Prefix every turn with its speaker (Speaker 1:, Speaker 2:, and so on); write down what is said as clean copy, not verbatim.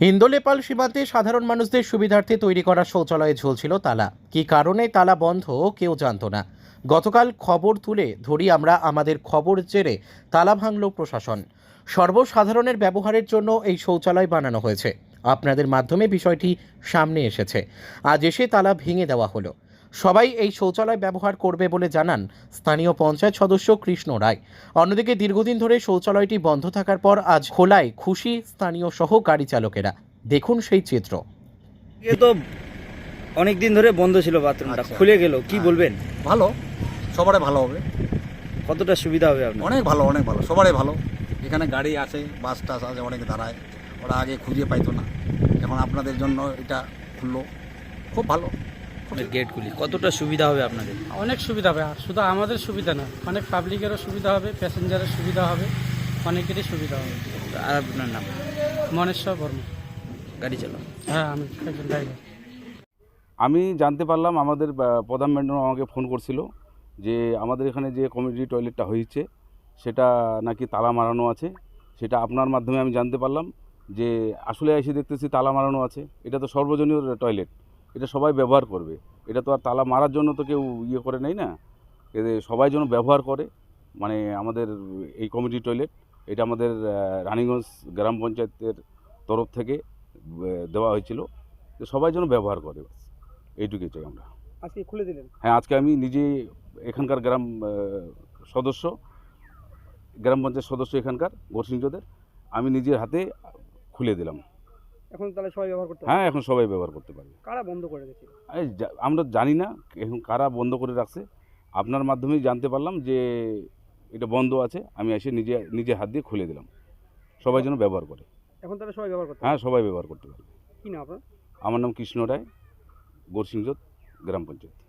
Speaker 1: ইন্দো-নেপাল সীমান্তে সাধারণ মানুষদের সুবিধার্থে তৈরি করা শৌচালয়ে ঝুলছিল তালা। কী কারণে তালা বন্ধ কেউ জানতো না। গতকাল খবর তুলে ধরি আমরা, আমাদের খবর জেরে তালা ভাঙল প্রশাসন। সর্বসাধারণের ব্যবহারের জন্য এই শৌচালয় বানানো হয়েছে। আপনাদের মাধ্যমে বিষয়টি সামনে এসেছে। আজ এসে তালা ভেঙে দেওয়া হলো। সবাই এই শৌচালয় ব্যবহার করবে বলে জানান স্থানীয় পঞ্চায়েত সদস্য কৃষ্ণ রায়। অন্যদিকে দীর্ঘদিন ধরে শৌচালয়টি বন্ধ থাকার পর আজ খোলায় খুশি স্থানীয় সহ গাড়ি চালকেরা। দেখুন সেই চিত্র।
Speaker 2: এ তো অনেক দিন ধরে বন্ধ ছিল, বাথরুমটা খুলে গেল, কি বলবেন?
Speaker 3: ভালো, সবারই ভালো হবে।
Speaker 2: কতটা সুবিধা হবে আপনার?
Speaker 3: অনেক ভালো, অনেক ভালো, সবারই ভালো। এখানে গাড়ি আছে, বাস টাস আছে, অনেকে দাঁড়ায়, ওরা আগে খুঁজে পাইতো না, এখন আপনাদের জন্য এটা খুললো, খুব ভালো।
Speaker 2: গেটগুলি কতটা সুবিধা হবে আপনাদের?
Speaker 4: অনেক সুবিধা হবে, আর শুধু আমাদের সুবিধা না, অনেক পাবলিকেরও সুবিধা হবে, প্যাসেঞ্জারের সুবিধা হবে, অনেকেরই সুবিধা হবে।
Speaker 2: আর আপনার নাম?
Speaker 4: মনেশ্বর বর্মা।
Speaker 2: গাড়ি চালান?
Speaker 4: হ্যাঁ, আমি একজন ড্রাইভার।
Speaker 5: আমি জানতে পারলাম, আমাদের প্রধান ম্যাডাম আমাকে ফোন করছিল যে আমাদের এখানে যে কমিউনিটি টয়লেটটা হয়েছে সেটা নাকি তালা মারানো আছে। সেটা আপনার মাধ্যমে আমি জানতে পারলাম যে আসলে এসে দেখতেছি তালা মারানো আছে। এটা তো সর্বজনীয় টয়লেট, এটা সবাই ব্যবহার করবে। এটা তো আর তালা মারার জন্য তো কেউ ইয়ে করে নেই না, এদের সবাই যেন ব্যবহার করে। মানে আমাদের এই কমিউনিটি টয়লেট এটা আমাদের রানীগঞ্জ গ্রাম পঞ্চায়েতের তরফ থেকে দেওয়া হয়েছিল, যে সবাই যেন ব্যবহার করে, এইটুকুই চাই আমরা।
Speaker 4: আজকে খুলে দিলেন?
Speaker 5: হ্যাঁ, আজকে আমি নিজে এখানকার গ্রাম পঞ্চায়েত সদস্য এখানকার গোরসিংহদের আমি নিজের হাতে খুলে দিলাম।
Speaker 4: এখন তাহলে সবাই ব্যবহার করতে
Speaker 5: হ্যাঁ, এখন সবাই ব্যবহার করতে পারবে।
Speaker 4: কারা বন্ধ করে দিয়েছে?
Speaker 5: আমরা জানি না এখন কারা বন্ধ করে রাখছে, আপনার মাধ্যমেই জানতে পারলাম যে এটা বন্ধ আছে। আমি এসে নিজে হাত দিয়ে খুলে দিলাম, সবাই যেন ব্যবহার করে।
Speaker 4: এখন তাহলে সবাই ব্যবহার করতে
Speaker 5: হ্যাঁ, সবাই ব্যবহার করতে পারবে।
Speaker 4: কি না আপনার?
Speaker 5: আমার নাম কৃষ্ণ রায়, গোরসিংহ গ্রাম পঞ্চায়েত।